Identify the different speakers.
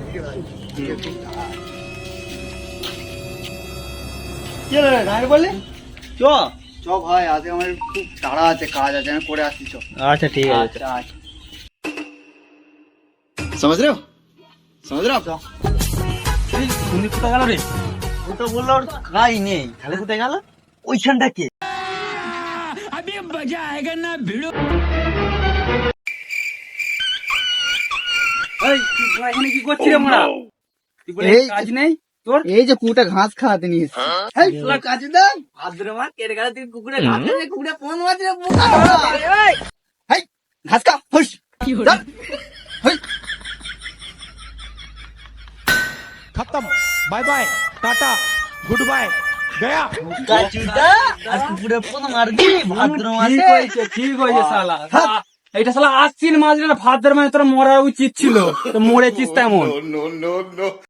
Speaker 1: কি হলো রে, গায়ে বললি? চ
Speaker 2: চ ভাই, আজকে আমার খুব তাড়া আছে, কাজ আছে, আমি করে আসছি। চ।
Speaker 1: আচ্ছা ঠিক আছে।
Speaker 2: আচ্ছা আচ্ছা। समझ रहे हो आप?
Speaker 1: তুমি কোথায় গেল রে? ও তো বললো ওর কাজ নেই, তাহলে কোথায় গেল? ওইখানটা কে? এই, তুই এখানে কি করছিস রে মোড়া? তুই বলে
Speaker 2: এই-
Speaker 1: কাজ নেই তোর?
Speaker 2: এই যে কুটা ঘাস খাওয়াতে নিয়ে এসছি।
Speaker 1: এই, তোর কাজ দাও। ভাদ্র মাস কেটে গেল, তুই কুকুরে ঘাস খাবে, কুকুরে কোন মাছ রে? বোকা ধরা। এই,
Speaker 2: হেই, ঘাস খা, হুস। চল। হেই।
Speaker 3: खत्म, bye bye, tata, good bye, गया।
Speaker 1: কাচুদা, আজ কুকুরে কোন মারবি? ভাদ্র মাসে?
Speaker 4: ঠিক হয়েছে শালা। এটা শালা আশ্বিন মাস, ভাদ্র মাসে তোর মরা উচিত ছিল, তো মরেছিস তেমন।